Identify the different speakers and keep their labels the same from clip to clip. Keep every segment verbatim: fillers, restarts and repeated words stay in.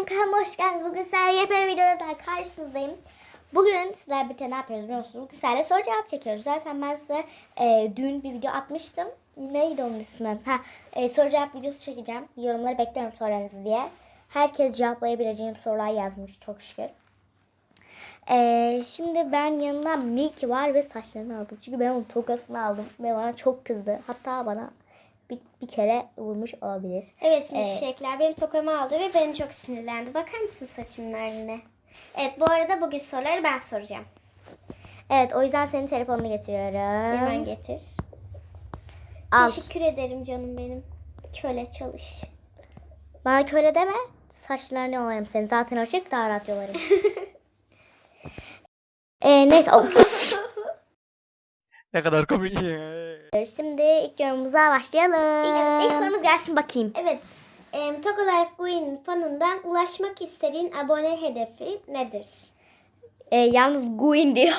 Speaker 1: benim kanalıma hoş geldiniz. Bugün sizlerle yepyeni videoda daha karşınızdayım. Bugün sizler birlikte ne yapıyoruz biliyor musunuz? Bugün sizlerle soru cevap çekiyoruz. Zaten ben size e, dün bir video atmıştım. Neydi onun ismi? Ha, e, soru cevap videosu çekeceğim. Yorumları bekliyorum sorularınızı diye. Herkes cevaplayabileceğim sorular yazmış çok şükür. E, şimdi ben yanımda Milky var ve saçlarını aldım. Çünkü ben onun tokasını aldım ve bana çok kızdı. Hatta bana bir, bir kere vurmuş olabilir.
Speaker 2: Evet milkshake'ler benim tokamı aldı ve beni çok sinirlendi. Bakar mısın saçımın haline? Evet, bu arada bugün soruları ben soracağım.
Speaker 1: Evet, o yüzden senin telefonunu getiriyorum.
Speaker 2: Hemen getir.
Speaker 1: Al.
Speaker 2: Teşekkür ederim canım benim. Köle çalış.
Speaker 1: Bana köle deme. Saçlarını yolarım seni. Zaten açık, daha rahat yolarım. ee, neyse. Oh.
Speaker 3: Ne kadar komik.
Speaker 1: Şimdi ilk yorumumuza başlayalım. İlk, ilk sorumuz gelsin bakayım.
Speaker 2: Evet. E, Togo Life Guin'in fanından ulaşmak istediğin abone hedefi nedir?
Speaker 1: Ee, yalnız Guin diyor.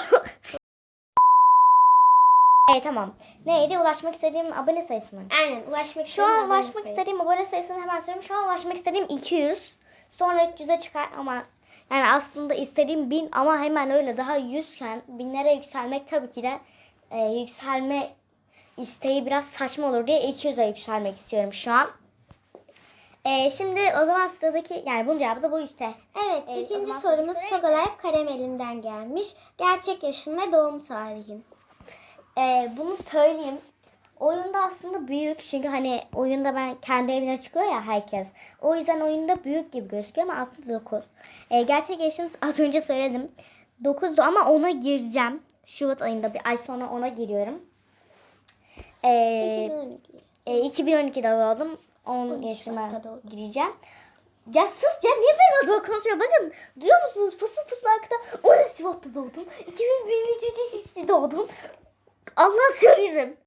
Speaker 1: Evet tamam. Neydi? Ulaşmak istediğim abone sayısı mı?
Speaker 2: Aynen, ulaşmak
Speaker 1: Şu
Speaker 2: istediğin
Speaker 1: an
Speaker 2: abone
Speaker 1: ulaşmak
Speaker 2: sayısı.
Speaker 1: istediğim abone sayısını hemen söyleyeyim. Şu an ulaşmak istediğim iki yüz. Sonra üç yüze çıkar ama yani aslında istediğim bin ama hemen öyle daha yüzken binlere yükselmek tabii ki de e, yükselme isteği biraz saçma olur diye iki yüze yükselmek istiyorum şu an. E, şimdi o zaman sıradaki yani bunun cevabı da bu işte.
Speaker 2: Evet,
Speaker 1: Evet, o
Speaker 2: ikinci
Speaker 1: zaman
Speaker 2: sorumuz
Speaker 1: soruyu
Speaker 2: Togo Life Karameli'nden gelmiş. Gerçek yaşın ve doğum tarihin.
Speaker 1: E, bunu söyleyeyim. Oyunda aslında büyük çünkü hani oyunda ben kendi evine çıkıyor ya herkes. O yüzden oyunda büyük gibi gözüküyor ama aslında dokuz. E, gerçek yaşım az önce söyledim. dokuzdu ama ona gireceğim. Şubat ayında bir ay sonra ona giriyorum. E,
Speaker 2: iki bin on iki.
Speaker 1: e, iki bin on ikide doğdum. on
Speaker 2: on üç
Speaker 1: yaşıma
Speaker 2: Şubat'ta doğdum.
Speaker 1: gireceğim. Ya sus ya niye benim adıma konuşuyor? Bakın duyuyor musunuz? Fısıl fısıl arkada on üç Şubat'ta doğdum. iki bin bir'de doğdum. Allah söylerim.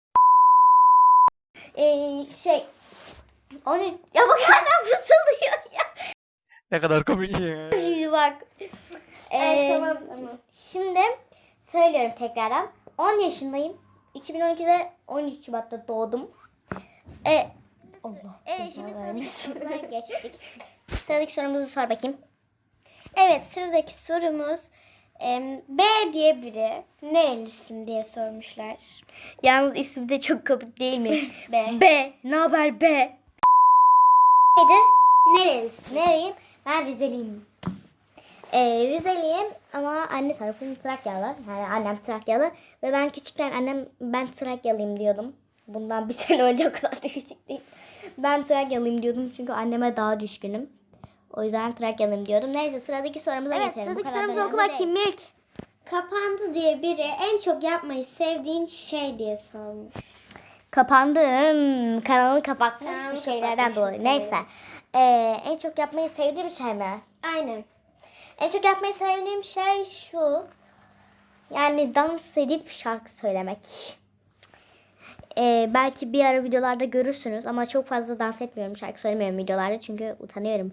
Speaker 1: Ee, şey on üç ya bak hala fısıldıyor ya.
Speaker 3: Ne kadar komik.
Speaker 1: Şimdi bak. Ee,
Speaker 2: Evet, tamam tamam.
Speaker 1: Şimdi söylüyorum tekrardan. on yaşındayım. iki bin on ikide on üç Şubat'ta doğdum. E Allah.
Speaker 2: Ee, şimdi
Speaker 1: sıradaki
Speaker 2: sıradaki
Speaker 1: soruya geçtik. Sıradaki sorumuzu sor bakayım.
Speaker 2: Evet, sıradaki sorumuz em, B diye biri nerelisin diye sormuşlar.
Speaker 1: Yalnız ismi de çok komik değil mi?
Speaker 2: B.
Speaker 1: B. Ne haber B? Neydi?
Speaker 2: Nerelisin?
Speaker 1: Nereyim? Ben Rizeliyim. Ee, Rizeliyim ama anne tarafım Trakyalı. Yani annem Trakyalı. Ve ben küçükken annem ben Trakyalıyım diyordum. Bundan bir sene önce o kadar da küçük değil. Ben Trakyalıyım diyordum çünkü anneme daha düşkünüm. O yüzden Trakyalıyım diyordum. Neyse sıradaki sorumuza
Speaker 2: Evet,
Speaker 1: geçelim.
Speaker 2: sıradaki
Speaker 1: Bu kadar
Speaker 2: sorumuzu
Speaker 1: da
Speaker 2: oku
Speaker 1: önemli
Speaker 2: bakayım,
Speaker 1: değil.
Speaker 2: Milk. Kapandı diye biri en çok yapmayı sevdiğin şey diye sormuş.
Speaker 1: Kapandı. Hmm, kanalını kapatmış
Speaker 2: Kanalını
Speaker 1: bir şeylerden
Speaker 2: kapatmış,
Speaker 1: dolayı.
Speaker 2: evet.
Speaker 1: Neyse. Ee, en çok yapmayı sevdiğim şey mi?
Speaker 2: Aynen.
Speaker 1: En çok yapmayı sevdiğim şey şu. Yani dans edip şarkı söylemek. Ee, belki bir ara videolarda görürsünüz ama çok fazla dans etmiyorum, şarkı söylemiyorum videolarda çünkü utanıyorum.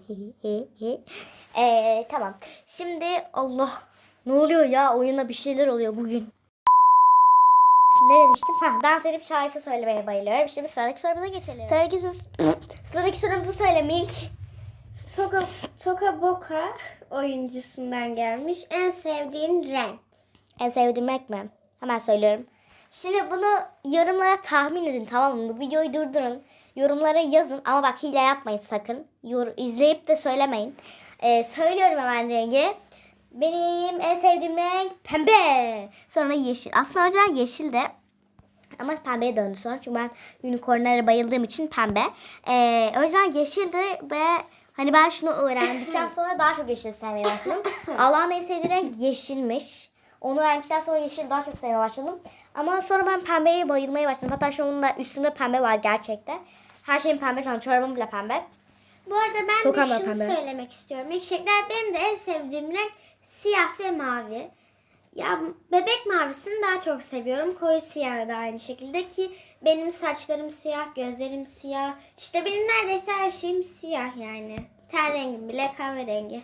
Speaker 1: ee, tamam. Şimdi Allah ne oluyor ya, oyuna bir şeyler oluyor bugün. Ne demiştim? Ha, dans edip şarkı söylemeye bayılıyorum. Şimdi sıradaki sorumuza geçelim. Sıradaki, sıradaki sorumuzu söyle Milk.
Speaker 2: Toka, Toka Boka oyuncusundan gelmiş. En sevdiğin renk.
Speaker 1: En sevdiğim renk mi? Hemen söylüyorum. Şimdi bunu yorumlara tahmin edin, tamam mı? Bu videoyu durdurun. Yorumlara yazın ama bak hile yapmayın sakın. Yor izleyip de söylemeyin. Ee, söylüyorum hemen rengi. Benim en sevdiğim renk pembe. Sonra yeşil. Aslında önceden yeşil de ama pembeye döndü sonra. Çünkü ben unicornlara bayıldığım için pembe. Ee, önceden yeşildi ve hani ben şunu öğrendikten sonra daha çok yeşil sevmeye başladım. Allah'ın en sevdiği renk yeşilmiş. Onu öğrendikten sonra yeşil daha çok sevmeye başladım. Ama sonra ben pembeye bayılmaya başladım. Hatta şu anda üstümde pembe var gerçekten. Her şeyim pembe şu an. Çorabım bile pembe.
Speaker 2: Bu arada ben
Speaker 1: Sokağım
Speaker 2: de
Speaker 1: da
Speaker 2: şunu
Speaker 1: pembe.
Speaker 2: söylemek istiyorum. Milkshake'ler benim de en sevdiğim renk siyah ve mavi. Ya bebek mavisini daha çok seviyorum. Koyu siyahı da aynı şekilde ki benim saçlarım siyah, gözlerim siyah. İşte benim neredeyse her şeyim siyah yani. Ten rengim bile kahverengi.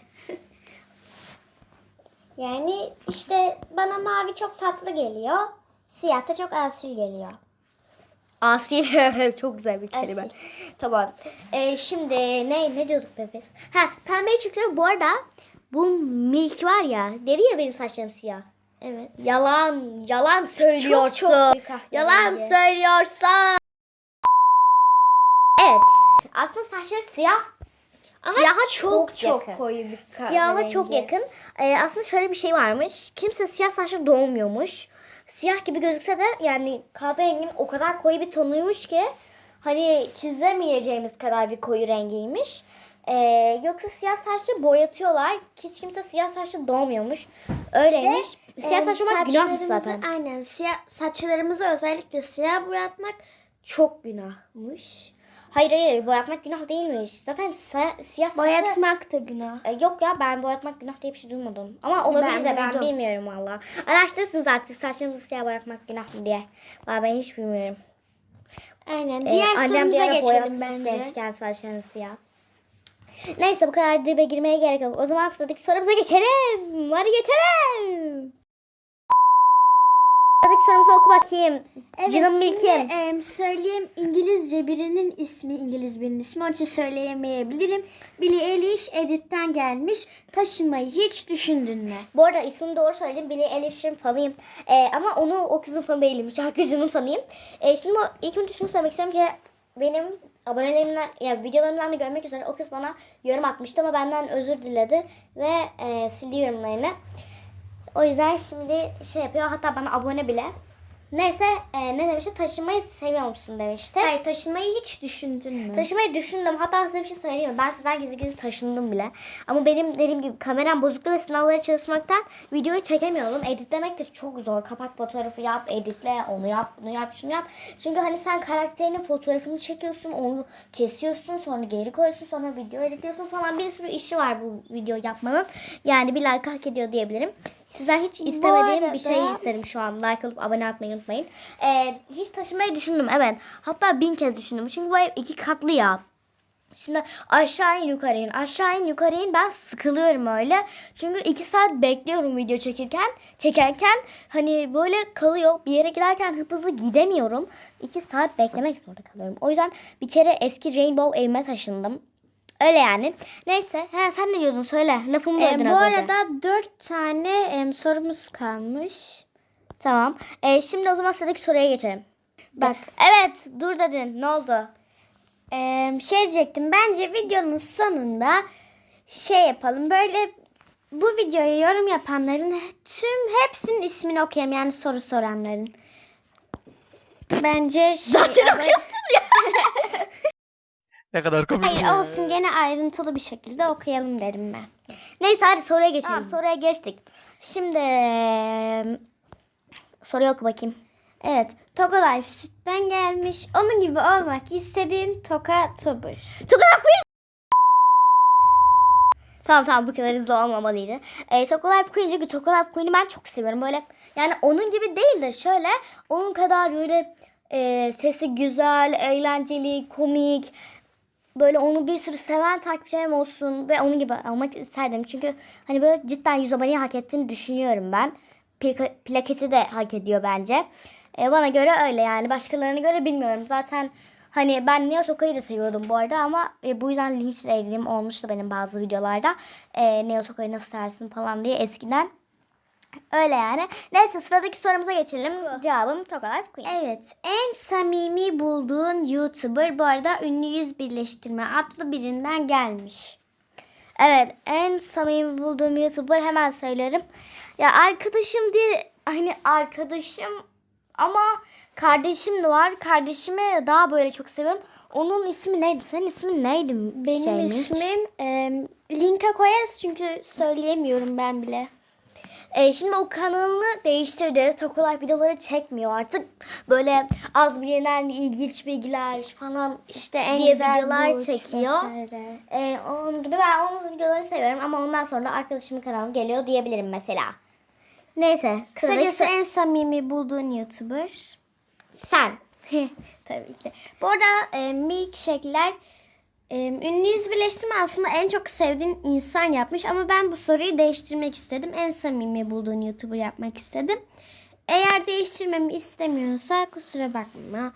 Speaker 2: Yani işte bana mavi çok tatlı geliyor. Siyah da çok asil geliyor.
Speaker 1: Asil. Çok güzel bir kelime.
Speaker 2: Asil.
Speaker 1: Tamam. Ee, şimdi ne ne diyorduk be biz? Ha, pembeyi çıktı. Bu arada bu Milk var ya. Dedi ya benim saçlarım siyah.
Speaker 2: Evet.
Speaker 1: Yalan, yalan söylüyorsun.
Speaker 2: Çok çok büyük kahverengi.
Speaker 1: Yalan söylüyorsun. Evet. Aslında saçları siyah.
Speaker 2: Ama
Speaker 1: Siyaha
Speaker 2: çok çok
Speaker 1: yakın.
Speaker 2: koyu bir kahverengi.
Speaker 1: Siyaha çok yakın. Ee, aslında şöyle bir şey varmış. Kimse siyah saçlı doğmuyormuş. Siyah gibi gözükse de yani kahverenginin o kadar koyu bir tonuymuş ki hani çizemeyeceğimiz kadar bir koyu rengiymiş. Ee, yoksa siyah saçlı boyatıyorlar. Hiç kimse siyah saçlı doğmuyormuş. Öyleymiş. Siyah
Speaker 2: Ee,
Speaker 1: saçlı olmak günahmış
Speaker 2: saçlarımızı-
Speaker 1: zaten.
Speaker 2: Aynen. Siyah, saçlarımızı özellikle siyah boyatmak çok günahmış.
Speaker 1: Hayır hayır, boyatmak günah değilmiş. Zaten si- siyah saçlı...
Speaker 2: Boyatmak da günah.
Speaker 1: E, Yok ya, ben boyatmak günah diye bir şey duymadım. Ama olabilir
Speaker 2: Ben
Speaker 1: de ben
Speaker 2: duydum.
Speaker 1: bilmiyorum valla. Araştırsın zaten saçlarımızı siyah boyatmak günah mı diye. Valla ben hiç bilmiyorum.
Speaker 2: Aynen.
Speaker 1: Ee,
Speaker 2: Diğer
Speaker 1: annem bir
Speaker 2: sorumuza
Speaker 1: ara
Speaker 2: geçelim
Speaker 1: boyatmış
Speaker 2: bence.
Speaker 1: gençken saçlarını siyah. Neyse, bu kadar dibe girmeye gerek yok. O zaman sıradaki sorumuza geçelim. Hadi geçelim. Sıradaki sorumuzu oku bakayım.
Speaker 2: Evet,
Speaker 1: Canım
Speaker 2: şimdi
Speaker 1: Milkim.
Speaker 2: em, söyleyeyim, İngilizce birinin ismi, İngiliz birinin ismi. Onun için söyleyemeyebilirim. Billie Eilish Edit'ten gelmiş. Taşınmayı hiç düşündün mü?
Speaker 1: Bu arada ismini doğru söyledim. Billie Eilish'in fanıyım. Ee, ama onu o kızın fanı değilim. Şarkıcının fanıyım. Ee, şimdi o, ilk önce şunu söylemek istiyorum ki benim abonelerimden, yani videolarımdan da görmek üzere o kız bana yorum atmıştı ama benden özür diledi ve e, sildi yorumlarını. O yüzden şimdi şey yapıyor, hatta bana abone bile. Neyse, e, ne demişti? Taşınmayı seviyor musun demişti.
Speaker 2: Hayır, taşınmayı hiç düşündün mü?
Speaker 1: Taşımayı düşündüm. Hatta size bir şey söyleyeyim mi? Ben sizden gizli gizli taşındım bile. Ama benim dediğim gibi kameram bozuktu ve sınavlara çalışmaktan videoyu çekemiyorum. Editlemek de çok zor. Kapak fotoğrafı yap, editle, onu yap, bunu yap, şunu yap. Çünkü hani sen karakterinin fotoğrafını çekiyorsun, onu kesiyorsun, sonra geri koyuyorsun, sonra video editliyorsun falan. Bir sürü işi var bu video yapmanın. Yani bir like hak ediyor diyebilirim. Sizden hiç istemediğim
Speaker 2: arada-
Speaker 1: bir şeyi isterim şu an. Like alıp abone atmayı unutmayın. Ee, hiç taşımayı düşündüm, evet. Hatta bin kez düşündüm. Çünkü bu ev iki katlı ya. Şimdi aşağı in yukarı in, aşağı in yukarı in, ben sıkılıyorum öyle. Çünkü iki saat bekliyorum video çekirken, çekerken hani böyle kalıyor. Bir yere giderken hıp hızlı gidemiyorum. iki saat beklemek zorunda kalıyorum. O yüzden bir kere eski Rainbow evime taşındım. Öyle yani. Neyse. He, sen ne diyordun? Söyle. Lafımı
Speaker 2: Ee,
Speaker 1: böldün
Speaker 2: bu
Speaker 1: az önce.
Speaker 2: arada dört tane em, sorumuz kalmış.
Speaker 1: Tamam. Ee, şimdi o zaman sıradaki soruya geçelim.
Speaker 2: Bak.
Speaker 1: Evet. Dur dedin. Ne oldu?
Speaker 2: Ee, şey diyecektim, bence videonun sonunda şey yapalım, böyle bu videoya yorum yapanların tüm hepsinin ismini okuyalım, yani soru soranların. Bence şey,
Speaker 1: Zaten
Speaker 2: ama-
Speaker 1: okuyorsun ya.
Speaker 3: Ne kadar komik.
Speaker 2: Hayır, olsun, gene ayrıntılı bir şekilde okuyalım derim ben.
Speaker 1: Neyse, hadi soruya geçelim. Tamam, soruya geçtik. Şimdi soruyu oku bakayım.
Speaker 2: Evet, Toka Life sütten gelmiş. Onun gibi olmak istediğin Toka Tuber.
Speaker 1: Tokalaf Queen. Tamam tamam, bu kadar hızlı olmamalıydı. Ee, Tokalaf Queen, çünkü Tokalaf Queen'i ben çok seviyorum. Böyle yani onun gibi değil de şöyle onun kadar böyle e, sesi güzel, eğlenceli, komik. Böyle onu bir sürü seven takipçilerim olsun ve onun gibi olmak isterdim. Çünkü hani böyle cidden yüz aboneyi hak ettiğini düşünüyorum ben. Plaka- plaketi de hak ediyor bence. E, bana göre öyle yani. Başkalarına göre bilmiyorum. Zaten hani ben Neo Toka'yı da seviyordum bu arada ama e, bu yüzden linç edildiğim olmuştu benim bazı videolarda. E, Neo Toka'yı nasıl tersin falan diye eskiden. Öyle yani. Neyse, sıradaki sorumuza geçelim. Cevabım Toka Life Queen.
Speaker 2: Evet, en samimi bulduğun YouTuber, bu arada ünlü yüz birleştirme adlı birinden gelmiş.
Speaker 1: Evet, en samimi bulduğum YouTuber, hemen söylerim. Ya arkadaşım diye, hani arkadaşım ama kardeşim de var. Kardeşimi daha böyle çok seviyorum. Onun ismi neydi? Senin ismin neydi?
Speaker 2: Benim
Speaker 1: Şeymiş?
Speaker 2: ismim e, linka koyarız çünkü söyleyemiyorum ben bile.
Speaker 1: E, şimdi o kanalını değiştirdi. Tokolay videoları çekmiyor artık. Böyle az bilinen ilginç bilgiler falan
Speaker 2: İşte en
Speaker 1: diye
Speaker 2: güzel
Speaker 1: videolar
Speaker 2: burç
Speaker 1: çekiyor.
Speaker 2: vesaire.
Speaker 1: E, onun gibi ben onun videoları seviyorum ama ondan sonra da arkadaşımın kanalı geliyor diyebilirim mesela. Neyse.
Speaker 2: Kısacası
Speaker 1: sıradaki-
Speaker 2: en samimi bulduğun YouTuber.
Speaker 1: sen.
Speaker 2: Tabii ki. Bu arada e, milkshake'ler e, ünlü yüz birleştirme aslında en çok sevdiğin insan yapmış ama ben bu soruyu değiştirmek istedim. En samimi bulduğun YouTuber yapmak istedim. Eğer değiştirmemi istemiyorsa kusura bakma.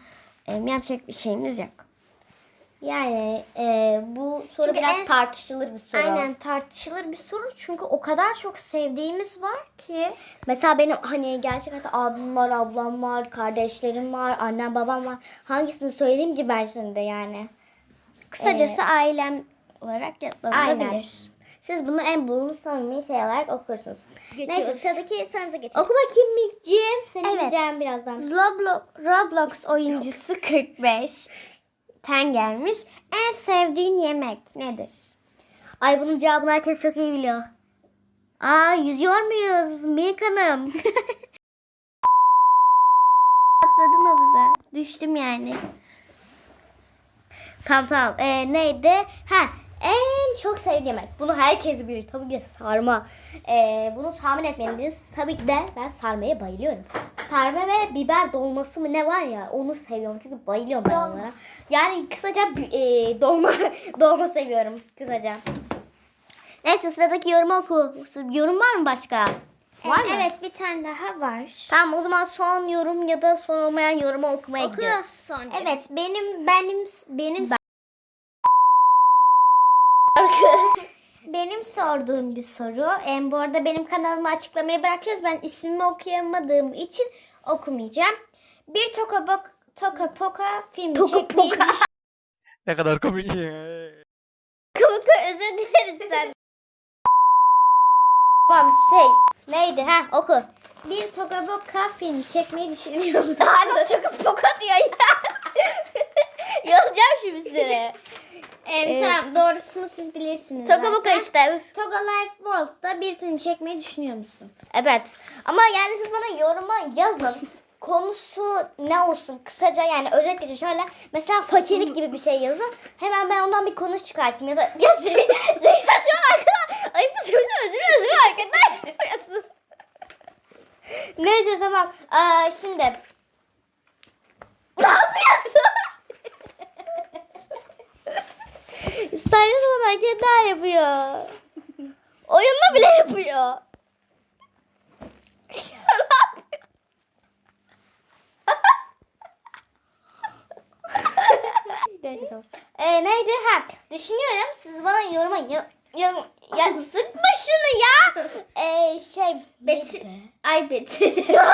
Speaker 2: e, yapacak bir şeyimiz yok.
Speaker 1: Yani e, bu soru
Speaker 2: Çünkü
Speaker 1: biraz
Speaker 2: en-
Speaker 1: tartışılır bir soru.
Speaker 2: Aynen tartışılır bir soru çünkü o kadar çok sevdiğimiz var ki.
Speaker 1: Mesela benim hani gerçek hayatta abim var, ablam var, kardeşlerim var, annem babam var. Hangisini söyleyeyim ki ben şimdi yani?
Speaker 2: Kısacası ailem olarak yapılabilir.
Speaker 1: Siz bunu en bulunur samimi şey olarak okursunuz. Neyse
Speaker 2: Geçiyoruz.
Speaker 1: sıradaki sorumuza geçelim. Oku bakayım Milk'ciğim. Seni
Speaker 2: Evet.
Speaker 1: izleyeceğim birazdan.
Speaker 2: Roblox, Roblox oyuncusu kırk beş ten gelmiş. En sevdiğin yemek nedir?
Speaker 1: Ay bunun cevabını herkes çok iyi biliyor. Aa yüzüyor muyuz Milk Hanım?
Speaker 2: Atladım havuza. Düştüm yani.
Speaker 1: Tamam tamam. Ee, neydi? Ha en çok sevdiğim yemek. Bunu herkes bilir. Tabii ki de sarma. Ee, bunu tahmin etmeliyiz. Tabii ki de ben sarmaya bayılıyorum. Sarma ve biber dolması mı ne var ya onu seviyorum. Çünkü bayılıyorum ben onlara. Yani kısaca e, dolma dolma seviyorum kısaca. Neyse sıradaki yorumu oku. Yorum var mı başka? Var mı?
Speaker 2: Evet bir tane daha var.
Speaker 1: Tamam o zaman son yorum ya da son olmayan yorumu okumaya
Speaker 2: Oku.
Speaker 1: gidiyoruz.
Speaker 2: Evet benim benim benim benim sorduğum bir soru. Em, bu arada benim kanalıma açıklamaya bırakacağız. Ben ismimi okuyamadığım için okumayacağım. Bir Toka Bok Toka Poka filmi
Speaker 1: Toka
Speaker 2: çekmeyi
Speaker 1: Poka.
Speaker 3: Ne kadar komik.
Speaker 1: Kıvıkı özür dileriz sen. Tamam şey neydi ha oku.
Speaker 2: Bir Toka Boka film çekmeyi düşünüyor musun?
Speaker 1: Hala çok poka diyor ya. Yolacağım şimdi seni.
Speaker 2: Em,
Speaker 1: Evet.
Speaker 2: Tamam doğrusunu siz bilirsiniz
Speaker 1: Toka boka
Speaker 2: zaten.
Speaker 1: işte. üf.
Speaker 2: Toga Life World'da bir film çekmeyi düşünüyor musun?
Speaker 1: Evet. Ama yani siz bana yoruma yazın. Konusu ne olsun kısaca yani özet geçin şöyle mesela fakirlik gibi bir şey yazın. Hemen ben ondan bir konu çıkartayım ya da ya Zey- Zeyra şu an arkada ayıp da söylüyorsun özür özür arkada yapıyorsun. Neyse tamam. Aa, şimdi ne yapıyorsun? Saçma hareketler yapıyor. Oyunda bile yapıyor. Neyse tamam. Ee, neydi? Ha, düşünüyorum. Siz bana yoruma ya, ya, ya sıkma şunu ya. Ee, şey
Speaker 2: Betül.
Speaker 1: neydi?
Speaker 2: Ay Betül.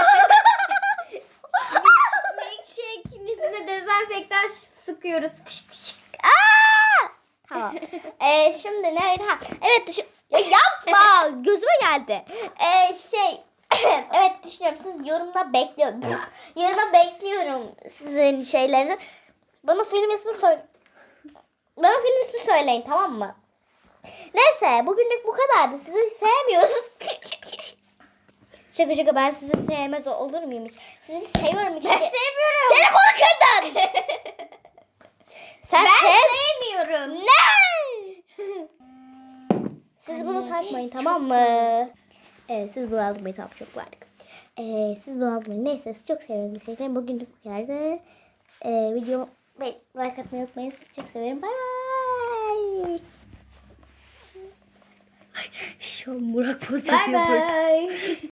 Speaker 2: Milkshake'in üstüne dezenfektan sıkıyoruz. Fışk fışk.
Speaker 1: Aa! Tamam. Ee, şimdi neydi? Ha, evet düşün. Ya yapma. Gözüme geldi. Ee, şey evet düşünüyorum. Siz yorumda bekliyorum. Yoruma bekliyorum sizin şeylerinizi. Bana film ismi söyle. Bana film ismi söyleyin tamam mı? Neyse bugünlük bu kadardı. Sizi sevmiyoruz. Şaka şaka ben sizi sevmez olur muyum hiç? Sizi seviyorum hiç.
Speaker 2: Ben sevmiyorum.
Speaker 1: Telefonu kırdın. Sen
Speaker 2: Ben
Speaker 1: sev-
Speaker 2: sevmiyorum.
Speaker 1: Ne? Siz bunu
Speaker 2: Anne,
Speaker 1: takmayın
Speaker 2: çok
Speaker 1: tamam mı? Evet siz bunu almayın tamam çok vardık. Ee, siz bunu almayın. Neyse sizi çok seviyorum. Teşekkürler. Bugünlük bu kadardı. Ee, video ve like atmayı unutmayın. Sizi çok severim. Bye bye. Şu an Burak poz
Speaker 2: Bye bye.